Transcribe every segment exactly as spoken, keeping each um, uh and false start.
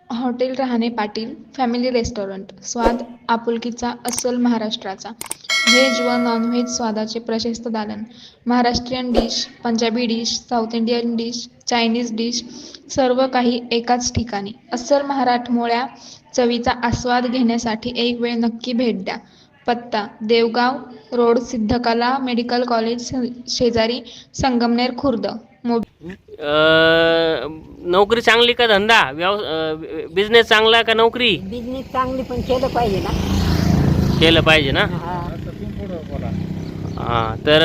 Hotel Rahane Patil family restaurant, स्वाद आपुलकीचा अस्सल महाराष्ट्राचा, व्हेज व नॉनव्हेज स्वादाचे प्रशस्त दालन, Maharashtrian dish, Punjabi dish, south Indian dish, Chinese dish, सर्व काही एकाच ठिकाणी. अस्सल मराठमोळ्या चवीचा आस्वाद घेण्यासाठी एक वेळ नक्की भेट द्या. पत्ता: Devgaon road, Siddhakala medical college शेजारी, संगमनेर, खुर्द. अ, नोकरी चांगली का धंदा, व्यव बिझनेस चांगला का नोकरी? बिझनेस चांगली, पण केलं पाहिजे ना. केलं पाहिजे ना. हा. हां, तर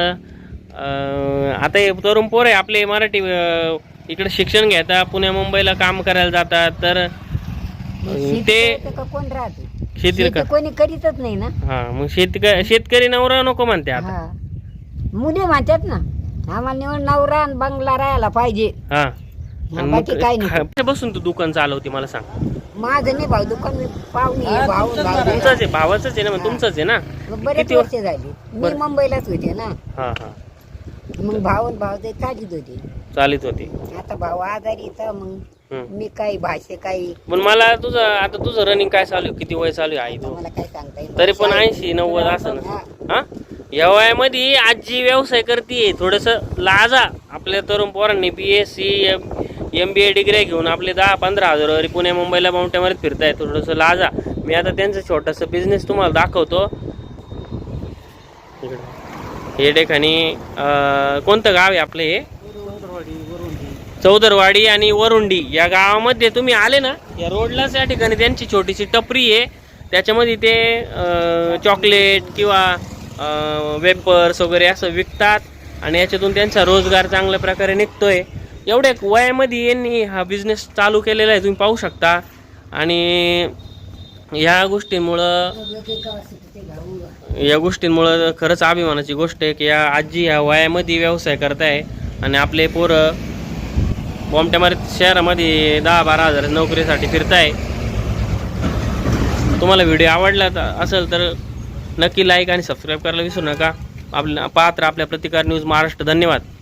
अ, आता हे तरुण पोर आहे आपले मराठी अ, इकडे शिक्षण घेतात, पुण्या मुंबईला काम करायला जातात, तर शेती ते करतं का कोण राहते? शेती शेती कोणी करीतच नाही ना. हां, मग शेतकरी शेतकरी नवरा नको म्हणते आता. हा. मुली म्हणतात ना, आम्हाला निवड नवरा आणि बंगला राहायला पाहिजे. हां, हा, बाकी काही नाही. खा- बसून तू दुकान चालवते मला सांग. माझं नाही भाऊ दुकान, मी पाहुणी आहे, भाऊ भाऊ तुमचंच आहे, भावाचंच आहे ना, मग तुमचंच आहे ना. मग बरेच किती वर्ष झाली मी बरं. मुंबईलाच होते ना. हां हां, मग भाऊ आणि भाऊ ते काढीत होते. चालित होती. आता भाऊ आजारी तर मग हम्म. मी काही भाषे काही पण मला तुझं आता तुझं रनिंग काय चालू आहे? किती वय चालू आहे आई तू? मला काय सांगता येईल. तरी पण ऐंशी नव्वद असं ना. हा, या वयामध्ये आजी व्यवसाय करते, थोडस लाजा. आपल्या तरुण पोरांनी B S C M B A degree घेऊन आपले दहा पंधरा हजार पुणे मुंबईला माउंटेनमध्ये फिरताय, थोडस लाजा. मी आता त्यांचं छोटस बिझनेस तुम्हाला दाखवतो. हे ठिकाणी कोणतं गाव आहे आपलं? हे चौदरवाडी आणि वरुंडी या गावामध्ये तुम्ही आले ना, या रोडलाच या ठिकाणी त्यांची छोटीशी टपरी आहे. त्याच्यामध्ये ते चॉकलेट किंवा वेपर्स वगैरे असं विकतात आणि याच्यातून त्यांचा रोजगार चांगल्या प्रकारे निघतोय. एवढ्या वयामध्ये यांनी हा बिझनेस चालू केलेला आहे, तुम्ही पाहू शकता. आणि ह्या गोष्टींमुळं या गोष्टींमुळं खरंच अभिमानाची गोष्ट आहे की या आजी ह्या वयामध्ये व्यवसाय करताय आणि आपले पोरं बॉम्बट्यामारीत शहरामध्ये दहा बारा हजार नोकरीसाठी फिरताय. तुम्हाला व्हिडिओ आवडला असेल तर नक्की लाईक आणि सबस्क्राईब करायला विसरू नका. आपल्या पाहत राहा आपल्या प्रतिकार न्यूज महाराष्ट्र. धन्यवाद.